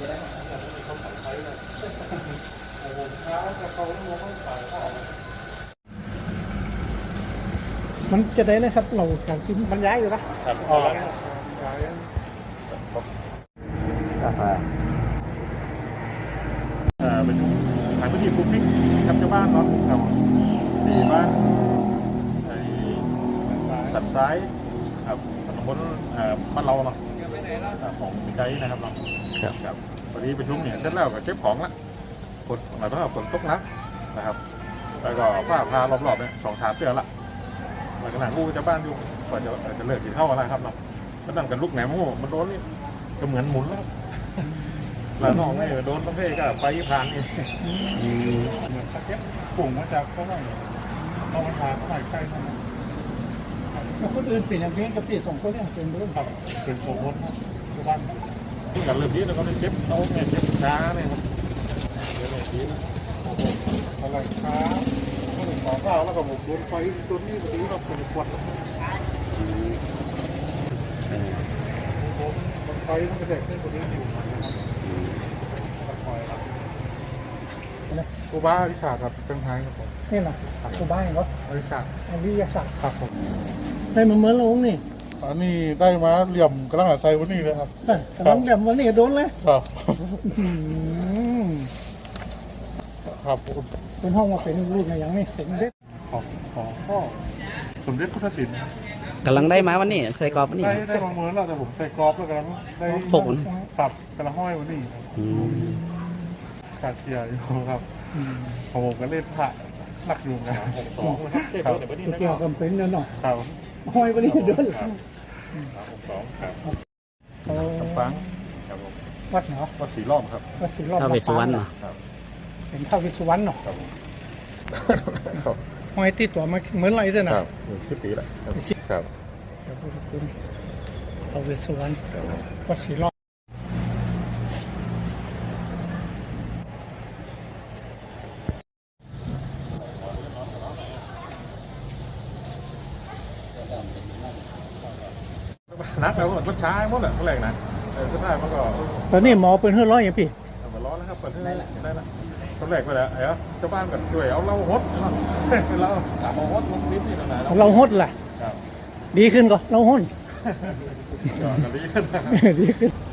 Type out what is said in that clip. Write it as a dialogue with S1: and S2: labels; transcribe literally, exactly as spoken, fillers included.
S1: เขาขายไซส์เลยผมเช้าจะเขาต้องมองขายข้าว
S2: มันจะได้เลยครับเราการกินมันย้ายอยู่ปะ
S1: ครับอ๋อย้ายกาแฟเอ่อเป็นขายพื้นที่ปลูกพริกกับชาวบ้านเนาะครับมีบ้านไอ้สัตว์ซ้ายครับถนนบ้านเราเนาะของมีไกด์นะครับเนาะครับพอดีประชุมเนี่ยเสร็จแล้วก็เก็บของละฝนหมายถึงว่าฝนตกน้ำนะครับแล้วก็ผ้าพารอบๆเนี่ยสองสามเดือนละหลังจากนั้นลูกจะบ้านอยู่ก่อนจะจะเลิกกินข้าวอะไรครับเนาะก็นั่งกันลูกแหนมโม่มันโดนนี่ก็เหมือนหมุนแล้วแล้วน้องนี่โดนต้องเพ่ก็ไปผ่านนี่เหมือนสเก็ตปุ่งมาจากเขาไม่เอามาทาเขาใส่ใกล้ท่าน
S2: แล้วคนอื่นเปลี่ยนอย่างเพียงกับปีสองคนเนี่ยเป็นเรื่อง
S1: ครับเป็นโปรโมททุกบ้านกันเริ่มดีแล้วก็ได้เจ็บโต๊ะเนี่ยเจ็บช้าเนี่ยครับเดี๋ยวเลยดีนะโอ้โหอะไรช้าก็เลยขอข้าวแล้วก็ผมโดนไฟโดนนี่พอดีเราเป็นควันมันไฟมันกระแทกขึ้นพอดีอยู่นะครับคอยครับกูบ้าวิชาครับเป็นไทยครับผม
S2: นี่แหละตัวบ้านเหรอ
S1: วิชา
S2: อันนี้ยาสัก
S1: ครับผม
S2: ได้มาเหมือนเรานี่
S1: อันนี้ได้มาเหลี่ยมกระลังหาไซวันนี้เลยครับ
S2: กระลังเหลี่ยมวันนี้โดนเลย
S1: ครับครับ
S2: เป็นห้องมาเป็นรูปอย่างนี้สมเด็จ
S1: ของของพ่อสมเด็จพุทธศิลป์
S3: กำลังได้มาวันนี้ใส่กรอบวันนี้
S1: ได้ได้บางเมื่อแล้วแต่ผมใส่กรอบแล้วกำลังได้
S3: ฝน
S1: สับกระลังห้อยวันนี้ขาดเกียร์อยู่ครับผมก็เล่นผ่าหนักอยู่นะหกสองนะครับ
S2: เกี่ยวกับเป็นนั่นเนาะ
S1: ครับ
S2: ห้อยวันนี้เดิน
S1: หกสองครับคำฟังครับผม
S2: วัดเนาะ
S1: วัดสีล้อมครับ
S2: วัดสีล้อม
S3: ท้าวเวสสุวรรณเนาะ
S2: เป็นท้าวเวสสุวรรณเนาะห้อยติดตัวมาเหมือนไรเส้น
S1: นะครับหนึ่งสิบปีแล้วครับ
S2: เดี๋ยวพูดถึงท้าวเวสสุวรรณวัดสีล้อม
S1: นักแล้วมันช้าหมดแหละเท่าไหร่นะเออก็ได้มันก็
S2: ตอนนี้หมอเป็นเฮือร้อยอย่างพี่
S1: มาร้อนแล้วครับเปิดได้ละได้ละเท่าไหร่ไปแล้วไอ้เเจ้าบ้านกันด้วยเอาเราฮดเนาะเราเอาฮดลงนิดนี่ตรงไหน
S2: เราฮดแหละดีขึ้นก็เราฮด
S1: ดีขึ้น
S2: ดีขึ้น